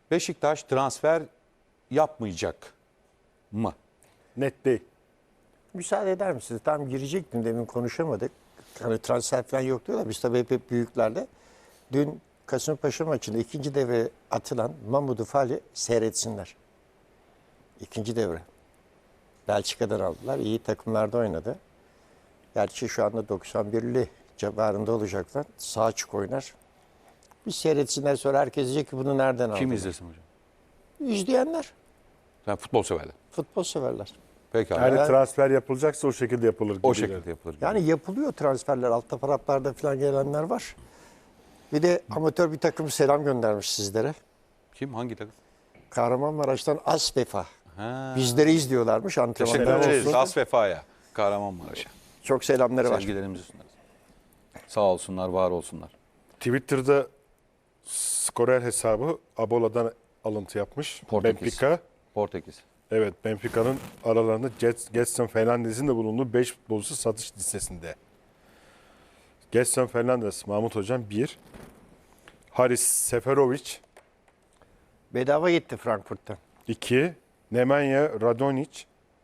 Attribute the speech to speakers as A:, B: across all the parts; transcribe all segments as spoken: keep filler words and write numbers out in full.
A: Beşiktaş transfer yapmayacak mı?
B: Net değil.
C: Müsaade eder misiniz? Tam girecektim, demin konuşamadık. Hani transfer falan yok diyorlar. Biz tabii hep, hep büyüklerde. Dün Kasımpaşa maçında ikinci devre atılan Mamadou Fali seyretsinler. İkinci devre. Belçika'dan aldılar. İyi takımlarda oynadı. Gerçi şu anda doksan birli civarında olacaklar. Sağ açık oynar. Bir seyretsinler, sonra herkes diyecek ki bunu nereden aldın?
A: Kim izlesin hocam?
C: İzleyenler.
A: Yani futbol severler.
C: Futbol severler.
A: Pekala.
B: Yani
C: Evet.
B: transfer yapılacaksa o şekilde yapılır.
A: O
B: gibi
A: şekilde yapılır. gibi.
C: Yani yapılıyor transferler. Altta paraplarda falan gelenler var. Bir de amatör bir takım selam göndermiş sizlere.
A: Kim? Hangi takım?
C: Kahramanmaraş'tan Asvefa.
A: Ha.
C: Bizleri izliyorlarmış
A: Teşekkür
C: antrenmanlar
A: ederiz.
C: olsun.
A: As Vefa'ya. Kahramanmaraş'a.
C: Çok selamları var.
A: Sevgilerimizi sunarız. Sağ olsunlar, var olsunlar.
B: Twitter'da skorer hesabı Abola'dan alıntı yapmış.
A: Portekiz.
B: Benfica.
A: Portekiz.
B: Evet, Benfica'nın aralarında Gedson Fernandez'in de bulunduğu beş futbolcusu satış listesinde. Gedson Fernandez, Mahmut Hocam bir. Haris Seferovic
C: Bedava gitti Frankfurt'tan.
B: iki. Nemanja Radonjic.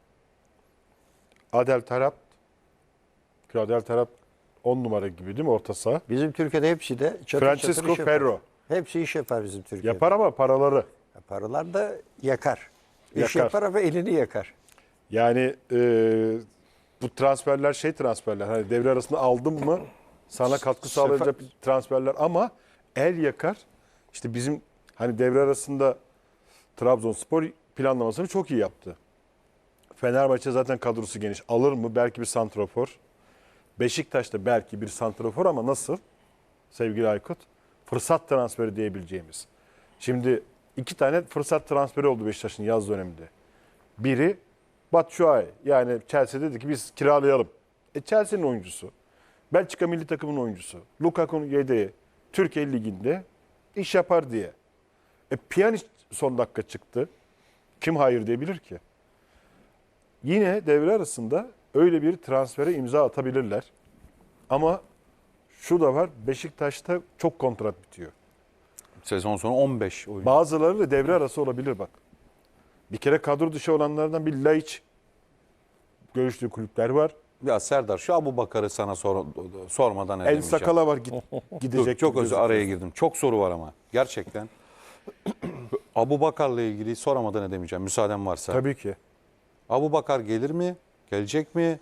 B: Adel Taarabt. Adel Taarabt on numara gibi değil mi orta saha?
C: Bizim Türkiye'de hepsi de çatır çatır
B: Francisco
C: iş yapar.
B: Ferro.
C: Hepsi iş yapar bizim Türkiye'de.
B: Yapar ama paraları.
C: Paralar da yakar. İş
B: Yakar.
C: yapar ama elini yakar.
B: Yani e, bu transferler şey transferler. Hani devre arasında aldın mı sana katkı sağlayacak transferler ama el yakar. İşte bizim hani devre arasında Trabzonspor planlamasını çok iyi yaptı. Fenerbahçe zaten kadrosu geniş. Alır mı? Belki bir santrafor. Beşiktaş'ta belki bir santrafor ama nasıl? Sevgili Aykut. Fırsat transferi diyebileceğimiz. Şimdi iki tane fırsat transferi oldu Beşiktaş'ın yaz döneminde. Biri Batshuayi. Yani Chelsea dedi ki biz kiralayalım. E Chelsea'nin oyuncusu. Belçika milli takımının oyuncusu. Lukaku'nun yedeği. Türkiye Ligi'nde iş yapar diye. E Pjanic son dakika çıktı. Kim hayır diyebilir ki? Yine devre arasında öyle bir transfere imza atabilirler. Ama şu da var, Beşiktaş'ta çok kontrat bitiyor.
A: Sezon sonu on beş oyuncu.
B: Bazıları da devre arası olabilir bak. Bir kere kadro dışı olanlardan bir Laiç görüştüğü kulüpler var.
A: Ya Serdar, şu Abubakar'ı sana sor, sormadan
B: El
A: edemeyeceğim.
B: Sakala var git, gidecek.
A: Dur, çok
B: gibi
A: özür araya girdim. Çok soru var ama. Gerçekten. Abubakar'la ilgili soramadan edemeyeceğim. Müsaaden varsa.
B: Tabii ki.
A: Abubakar gelir mi? Gelecek mi?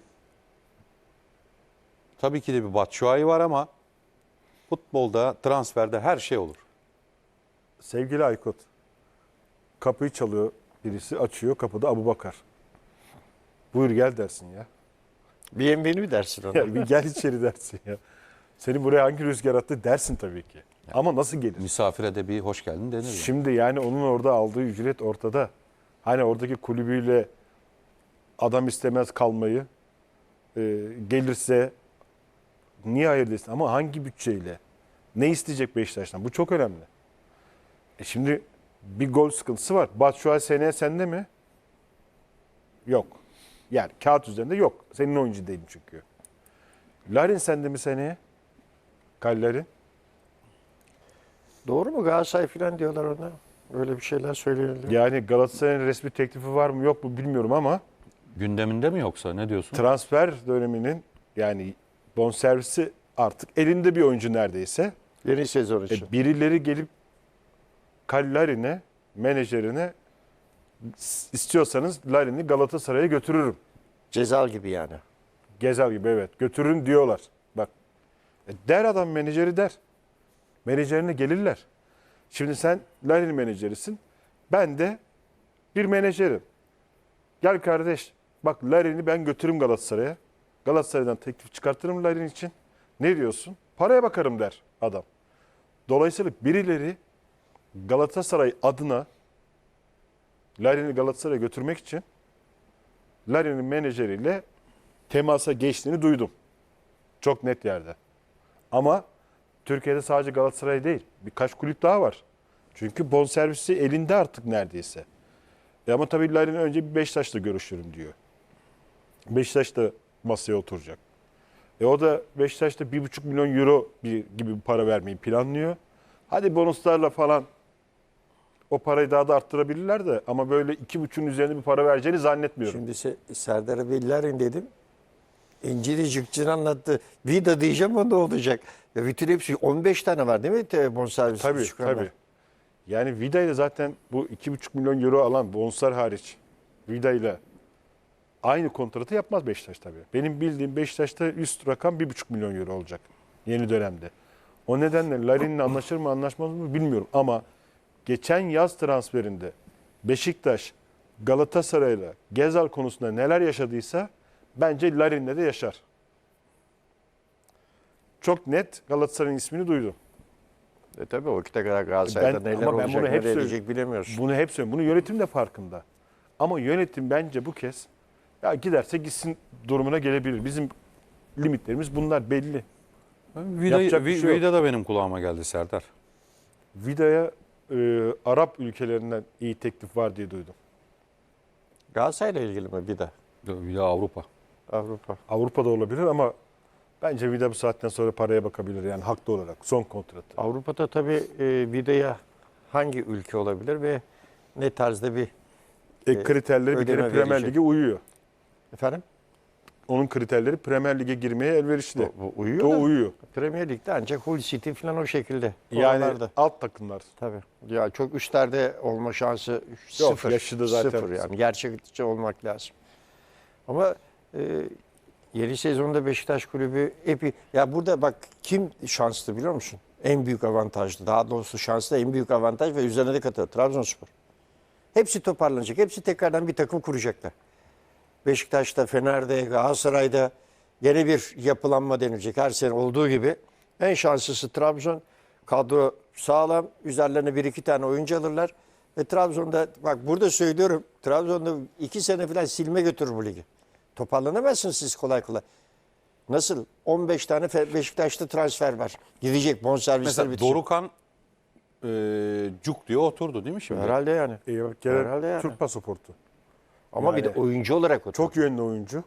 A: Tabii ki de bir Batshuayi var ama futbolda, transferde her şey olur.
B: Sevgili Aykut, kapıyı çalıyor birisi, açıyor, kapıda Abubakar. Buyur gel dersin ya.
C: Bienvenue dersin ona.
B: Ya bir gel içeri dersin ya. Seni buraya hangi rüzgar attı dersin tabii ki. Ama nasıl gelir?
A: Misafire de bir hoş geldin denir ya.
B: Şimdi yani onun orada aldığı ücret ortada. Hani oradaki kulübüyle adam istemez kalmayı. E, gelirse niye hayır desin? Ama hangi bütçeyle? Ne isteyecek Beşiktaş'tan? Bu çok önemli. E şimdi bir gol sıkıntısı var. Batshuayi seneye sende mi? Yok. Yani kağıt üzerinde yok. Senin oyuncu değil çünkü. Larin sende mi seneye? Kallerin.
C: Doğru mu? Galatasaray falan diyorlar ona. Öyle bir şeyler söyleniyor.
B: Yani Galatasaray'ın resmi teklifi var mı yok mu bilmiyorum ama
A: Gündeminde mi yoksa ne diyorsun?
B: transfer döneminin yani bonservisi artık elinde bir oyuncu neredeyse.
C: Yeni sezon için.
B: E, birileri gelip Larin'e, menajerine istiyorsanız Larin'i Galatasaray'a götürürüm.
C: Cezal gibi yani.
B: Gezal gibi evet götürün diyorlar. Bak e, der adam menajeri der. Menajerine gelirler. Şimdi sen Larin menajerisin. Ben de bir menajerim. Gel kardeş bak Larin'i ben götürürüm Galatasaray'a. Galatasaray'dan teklif çıkartırım Larin için. Ne diyorsun? Paraya bakarım der adam. Dolayısıyla birileri Galatasaray adına Larin'i Galatasaray'a götürmek için Larin'in menajeriyle temasa geçtiğini duydum. Çok net yerde. Ama Türkiye'de sadece Galatasaray değil. Birkaç kulüp daha var. Çünkü bonservisi elinde artık neredeyse. E ama tabii Larin önce bir Beşiktaş'la görüşürüm diyor. Beşiktaş da masaya oturacak. E o da Beşiktaş'ta bir buçuk milyon euro bir, gibi bir para vermeyi planlıyor. Hadi bonuslarla falan o parayı daha da arttırabilirler de ama böyle iki buçuğun üzerinde bir para vereceğini zannetmiyorum.
C: Şimdi Se- Serdar abi Larin dedim. İncili Cıkçın anlattı. Vida diyeceğim o ne olacak? Ya bütün hepsi on beş tane var değil mi? Te- Bonservis
B: Tabii
C: çıkanlar.
B: tabii. Yani Vida ile zaten bu iki buçuk milyon euro alan bonser hariç Vida ile aynı kontratı yapmaz Beşiktaş tabii. Benim bildiğim Beşiktaş'ta üst rakam bir buçuk milyon euro olacak yeni dönemde. O nedenle Larin'le anlaşır mı anlaşmaz mı bilmiyorum ama geçen yaz transferinde Beşiktaş Galatasaray'la Gezal konusunda neler yaşadıysa bence Larin'le de yaşar. Çok net Galatasaray'ın ismini duydum.
C: E tabii o vakite kadar Galatasaray'da
B: Ben-
C: neler
B: ama ben
C: olacak,
B: bunu hep
C: neler
B: söyle-
C: edecek bilemiyorsun.
B: Bunu hep söylüyorum. Bunu yönetim de farkında. Ama yönetim bence bu kez ya giderse gitsin durumuna gelebilir. Bizim limitlerimiz bunlar belli.
A: Vida,
B: Yapacak bir şey yok.
A: Vida da benim kulağıma geldi Serdar.
B: Vida'ya e, Arap ülkelerinden iyi teklif var diye duydum.
C: Galatasaray'la ilgili mi Vida?
A: Vida Avrupa.
C: Avrupa.
B: Avrupa'da olabilir ama bence Vida bu saatten sonra paraya bakabilir yani haklı olarak son kontratı.
C: Avrupa'da tabii e, Vida'ya hangi ülke olabilir ve ne tarzda bir
B: E, kriterleri bir
C: ödeme
B: kere Premier
C: verecek.
B: Lig'e uyuyor.
C: efendim?
B: Onun kriterleri Premier Lig'e girmeye elverişli.
C: O, o uyuyor
B: O
C: da
B: uyuyor.
C: Premier Lig'de ancak Hull City falan o şekilde.
B: Yani
C: Oralarda.
B: alt takımlar.
C: Tabii. Ya çok üstlerde olma şansı
B: Yok,
C: sıfır.
B: yaşı da zaten
C: Sıfır yani. Gerçekçi olmak lazım. Ama e, yeni sezonda Beşiktaş Kulübü epi ya burada bak kim şanslı biliyor musun? En büyük avantajlı. Daha doğrusu şanslı en büyük avantaj ve üzerine de katıyor. Trabzonspor. Hepsi toparlanacak. Hepsi tekrardan bir takım kuracaklar. Beşiktaş'ta, Fener'de, Galatasaray'da yeni bir yapılanma denilecek. Her sene olduğu gibi. En şanslısı Trabzon. Kadro sağlam. Üzerlerine bir iki tane oyuncu alırlar. Ve Trabzon'da bak burada söylüyorum. Trabzon'da iki sene falan silme götürür bu ligi. Toparlanamazsınız siz kolay kolay. Nasıl? on beş tane Fe- Beşiktaş'ta transfer var. Gidecek bonservisler
A: Mesela
C: bitecek.
A: Dorukhan e, cuk diye oturdu değil mi şimdi?
C: Herhalde yani.
B: E, bak, gene
C: Herhalde yani.
B: Türk pasaportu.
C: Ama bir de
B: Yani
C: oyuncu olarak o.
B: Çok yönlü oyuncu.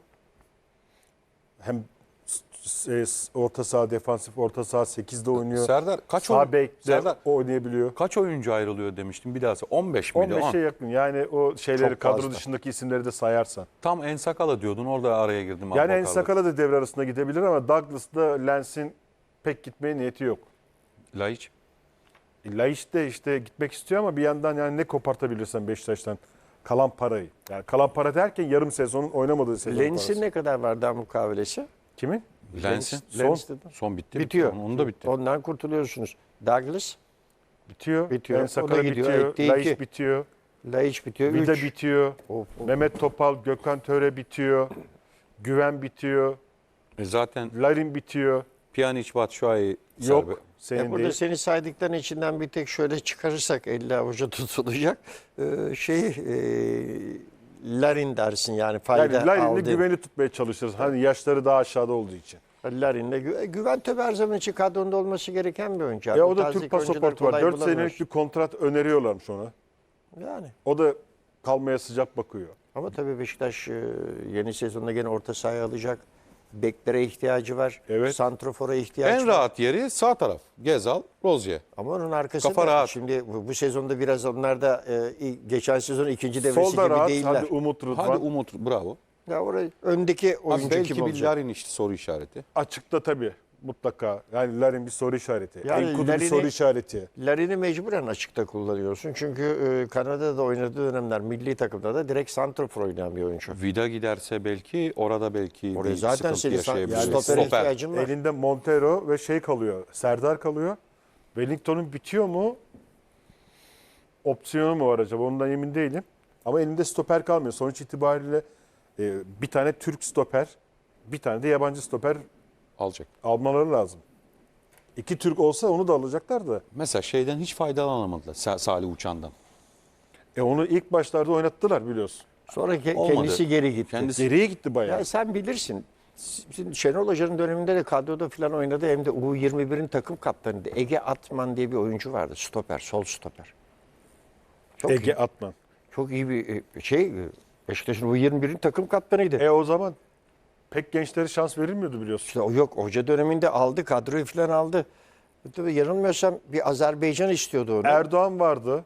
B: Hem s- s- orta saha, defansif orta saha sekizde oynuyor.
A: Serdar kaç
B: Sağ
A: oyun,
B: bekte
A: Serdar
B: oynayabiliyor.
A: kaç oyuncu ayrılıyor demiştim bir daha. on beş miydi?
B: on beşe yakın. Yani o şeyleri
C: Çok
B: kadro
C: fazla.
B: dışındaki isimleri de sayarsan.
A: Tam Ensakala diyordun orada araya girdim.
B: Yani
A: Abubakar'da.
B: Ensakala da devre arasında gidebilir ama Douglas'da Lens'in pek gitmeye niyeti yok.
A: Laiç.
B: Laiç de işte gitmek istiyor ama bir yandan yani ne kopartabilirsen Beşiktaş'tan kalan parayı. Yani kalan para derken yarım sezonun oynamadığı sezon
C: Lens'in
B: parası.
C: ne kadar var daha mukavelesi?
B: Kimin?
A: Lens'in.
B: Son.
C: Lens dedim.
A: Son bitti.
C: Bitiyor.
A: Onun, onun da bitti.
C: Ondan kurtuluyorsunuz. Douglas,
B: Bitiyor.
C: Bitiyor.
B: Ensakala
C: O da gidiyor.
B: bitiyor.
C: Etti
B: Laiç
C: iki.
B: bitiyor.
C: Laiç bitiyor.
B: Vida
C: üç.
B: bitiyor.
C: Of, of.
B: Mehmet Topal, Gökhan Töre bitiyor. Güven bitiyor.
A: E zaten
B: Larin bitiyor.
A: Pjanic, Batshuayi
B: Yok.
A: serbe-
B: Senin
C: E burada
B: değil.
C: seni saydıkların içinden bir tek şöyle çıkarırsak elle avuca tutulacak. Ee, şey e, Larin dersin yani fayda
B: Yani Larin'le
C: aldı.
B: güveni tutmaya çalışırız. Hani yaşları daha aşağıda olduğu için.
C: Larin'le gü- güven tabii her zaman için kadronda olması gereken bir oyuncu.
B: Ya
C: Bu
B: o da
C: tazdaki
B: Türk
C: oyuncuları
B: pasaportu var.
C: kolay
B: dört
C: bulamıyorsun.
B: senelik bir kontrat öneriyorlarmış ona.
C: Yani.
B: O da kalmaya sıcak bakıyor.
C: Ama tabii Beşiktaş e, yeni sezonda gene orta sahaya alacak. Beklere ihtiyacı var.
B: Evet.
C: Santrofor'a ihtiyacı
A: En
C: var.
A: rahat yeri sağ taraf. Gezal, Rozier.
C: Ama onun arkasında
A: Kafa rahat.
C: şimdi bu, bu sezonda biraz onlar da e, i- geçen sezon ikinci devresi
B: Solda
C: gibi
B: rahat.
C: değiller.
B: Hadi Umut Rıdvan.
A: Hadi Umut bravo.
C: Ya orayı öndeki
A: Abi
C: oyuncu kim
A: belki bir
C: olacak?
A: Larin işte soru işareti.
B: Açıkta tabii. Mutlaka. Yani Larin bir soru işareti.
C: Yani
B: Enkudu bir
C: Larin'i-
B: soru işareti.
C: Larin'i mecburen açıkta kullanıyorsun. Çünkü e, Kanada'da oynadığı dönemler milli takımda da direkt santrofor oynayan bir oyuncu.
A: Vida giderse belki orada belki
C: Oraya
A: bir
C: zaten
A: sıkıntı
C: senin san-
A: yaşayabilir.
B: yani
C: stopere
A: Stoper.
C: ihtiyacın var.
B: Elinde Montero ve şey kalıyor. Serdar kalıyor. Wellington'un bitiyor mu? Opsiyonu mu var acaba? Ondan emin değilim. Ama elinde stoper kalmıyor. Sonuç itibariyle e, bir tane Türk stoper, bir tane de yabancı stoper
A: Alacak.
B: almaları lazım. İki Türk olsa onu da alacaklar da.
A: Mesela şeyden hiç faydalanamadılar Sa- Salih Uçan'dan.
B: E onu ilk başlarda oynattılar biliyorsun.
C: Sonra ke-
A: Olmadı.
C: kendisi geri gitti.
A: Kendisi-
B: Geriye gitti bayağı.
C: Ya sen bilirsin. Şimdi Şenol Hoca'nın döneminde de kadroda falan oynadı. Hem de U yirmi birin takım kaptanıydı. Ege Atman diye bir oyuncu vardı. Stoper, sol stoper. Çok
B: Ege
C: iyi,
B: Atman.
C: çok iyi bir e, şey. Beşiktaş'ın U yirmi birin takım kaptanıydı.
B: E o zaman pek gençlere şans verilmiyordu biliyorsun.
C: İşte o yok. Hoca döneminde aldı. Kadroyu falan aldı. Tabii yanılmıyorsam bir Azerbaycan istiyordu onu.
B: Erdoğan vardı.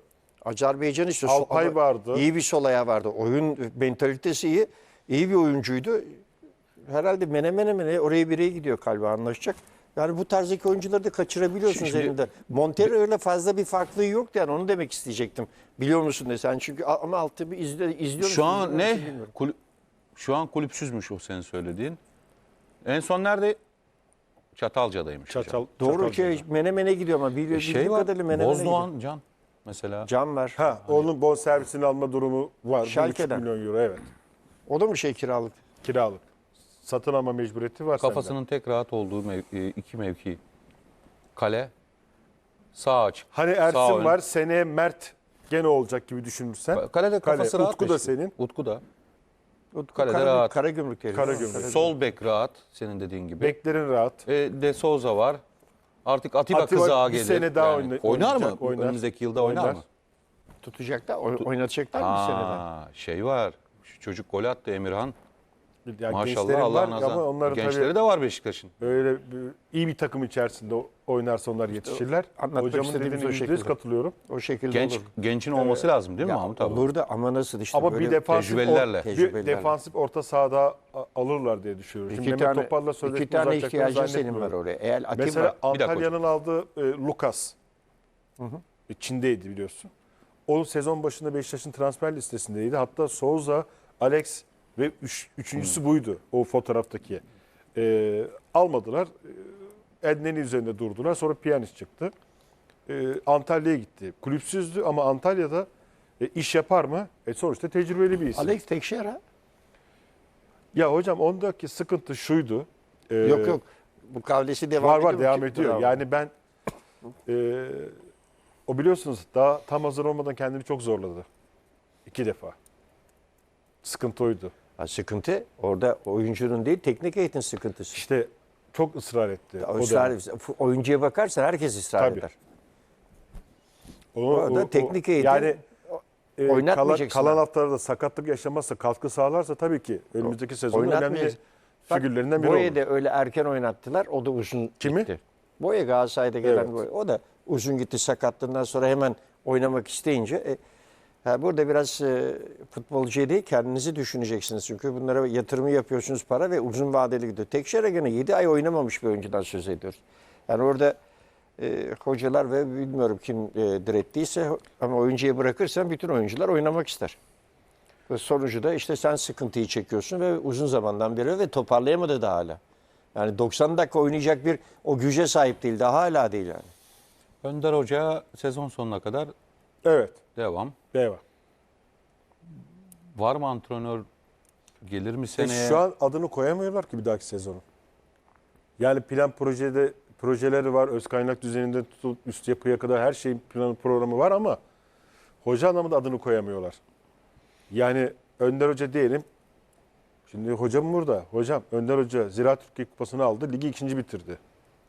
C: Azerbaycan işte
B: Alpay
C: ama
B: vardı.
C: İyi bir sol ayağı vardı. Oyun mentalitesi iyi. İyi bir oyuncuydu. Herhalde mene mene mene oraya bireye gidiyor galiba anlaşacak. Yani bu tarzdaki oyuncuları da kaçırabiliyorsunuz
A: Şimdi-
C: elinde. Montero öyle fazla bir farklılığı yoktu yani onu demek isteyecektim. Biliyor musun desen çünkü ama altı bir izle, izliyor musun?
A: Şu an
C: izliyor
A: ne?
C: musun bilmiyorum.
A: Kulüp, şu an kulüpsüzmüş o senin söylediğin. En son nerede? Çatalca'daymış. hocam.
B: Çatal,
C: Doğru
B: Çatalca'da.
C: ki mene mene gidiyor ama biliyor,
A: E şey
C: bildiğim
A: var.
C: kadarıyla mene mene gidiyor.
A: Bozdoğan Can mesela.
C: Can var.
B: Ha, onun bonservisini alma durumu var. Bir buçuk
C: Schalke'den.
B: milyon euro evet.
C: O da mı şey kiralık?
B: Kiralık. Satın alma mecburiyeti var sende.
A: Kafasının tek rahat olduğu mev- e, iki mevki. Kale. Sağ açık.
B: Hani
A: sağ
B: Ersin
A: ön.
B: var, seneye Mert gene olacak gibi düşünürsen.
A: Ka- Kalede kafası
B: Kale,
A: rahat.
B: Utku da
A: işte.
B: senin.
A: Utku da.
C: Utku
A: Kalede
C: Kara,
A: rahat.
C: Karagümrük herif.
B: Karagümrük.
C: Karagümrük.
A: Sol bek rahat senin dediğin gibi.
B: Beklerin rahat.
A: E, De Souza var. Artık Atiba,
B: Atiba
A: kızağa
B: bir
A: gelir.
B: sene daha
A: Yani
B: oyna-
A: oynar mı?
B: oynayacak, oynar.
A: Önümüzdeki yılda oynar,
B: Oynar.
A: mı?
C: Tutacaklar, oy- oynatacaklar mı bir sene daha?
A: Aa, şey var. Şu çocuk gol attı Emirhan.
B: Yani
A: Maşallah
B: gençlerin
A: Allah
B: var
A: nazar.
B: ama onların
A: Gençleri
B: tabii
A: de var Beşiktaş'ın.
B: böyle bir- iyi bir takım içerisinde o- oynarsa onlar yetişirler.
C: anlatmak
B: Hocamın
C: istediğimiz
B: dediğine
C: o
B: yüzde yüz
C: şekilde.
B: katılıyorum.
C: O şekilde
A: Genç
C: olur.
A: gençin olması lazım değil mi
C: Ya,
A: Mahmut abi?
C: burada ama nasıl işte
B: Ama
C: böyle
B: bir defansif,
A: tecrübelilerle.
B: or- bir
C: Tecrübelilerle.
B: defansif orta sahada a- alırlar diye düşünüyorum. Şimdi
C: iki
B: Mehmet
C: tane,
B: Topal'la
C: iki
B: sözleşme
C: tane
B: uzatacaklarını
C: ihtiyacın senin var
B: zannetmiyorum.
C: oraya. Eğer Atiba
B: Mesela
A: dakika
B: Antalya'nın aldığı e, Lucas. E, Çin'deydi biliyorsun. O sezon başında Beşiktaş'ın transfer listesindeydi. Hatta Souza, Alex ve üç, üçüncüsü buydu o fotoğraftaki. E, almadılar. E, Edneni üzerinde durdular. Sonra Pjanic çıktı. E, Antalya'ya gitti. Kulüpsüzdü ama Antalya'da e, iş yapar mı? E, sonuçta tecrübeli bir isim.
C: Alex Tekşehir'e?
B: Ya hocam ondaki sıkıntı şuydu. E,
C: Yok yok. Bu kavlesi devam
B: Var
C: ediyor.
B: var
C: mu?
B: devam
C: Kim-
B: ediyor.
C: Bravo.
B: Yani ben e, o biliyorsunuz daha tam hazır olmadan kendini çok zorladı. İki defa. Sıkıntı oydu.
C: Ha, sıkıntı orada oyuncunun değil teknik eğitim sıkıntısı.
B: İşte çok ısrar etti.
C: O
B: o
C: ısrar,
B: dönem.
C: oyuncuya bakarsan herkes ısrar
B: Tabii.
C: eder.
B: Onu-
C: Orada
B: o- o-
C: teknik eğitim
B: yani e, kalan,
C: oynatmayacaksın
B: kalan
C: abi.
B: haftalarda sakatlık yaşamazsa, katkı sağlarsa tabii ki önümüzdeki sezonun önemli
C: Oynatmayacağız. Bak,
B: figürlerinden biri olur.
C: Boya'yı da öyle erken oynattılar. O da uzun
B: Kimi?
C: gitti. Boya Galatasaray'da gelen
B: Evet.
C: Boya. O da uzun gitti sakatlığından sonra hemen oynamak isteyince. E, ha, burada biraz e, futbolcuya değil kendinizi düşüneceksiniz. Çünkü bunlara yatırımı yapıyorsunuz para ve uzun vadeli gidiyor. Tekşehir'e gene yedi ay oynamamış bir oyuncudan söz ediyoruz. Yani orada e, hocalar ve bilmiyorum kim e, direttiyse ama oyuncuya bırakırsan bütün oyuncular oynamak ister. Ve sonucu da işte sen sıkıntıyı çekiyorsun ve uzun zamandan beri ve toparlayamadı da hala. Yani doksan dakika oynayacak bir o güce sahip değil daha hala değil yani.
A: Önder Hoca sezon sonuna kadar
B: Evet.
A: devam.
B: Devam.
A: Var mı antrenör? Gelir mi
B: E,
A: seneye?
B: şu an adını koyamıyorlar ki bir dahaki sezonu. Yani plan projede projeleri var. Öz kaynak düzeninde tutup üst yapıya kadar her şeyin planı programı var ama hoca anlamında adını koyamıyorlar. Yani Önder Hoca diyelim. Şimdi hocam burada. Hocam Önder Hoca Ziraat Türkiye Kupası'nı aldı. Ligi ikinci bitirdi.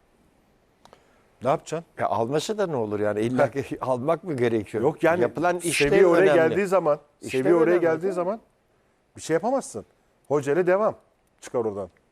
B: Ne yapacaksın?
C: Ya alması da ne olur yani illa ki almak mı gerekiyor?
B: Yok yani
C: yapılan işte
B: seviye oraya
C: önemli.
B: geldiği zaman,
C: İşte
B: seviye oraya
C: önemli,
B: geldiği
C: değil mi?
B: zaman bir şey yapamazsın. Hoca ile devam. Çıkar oradan.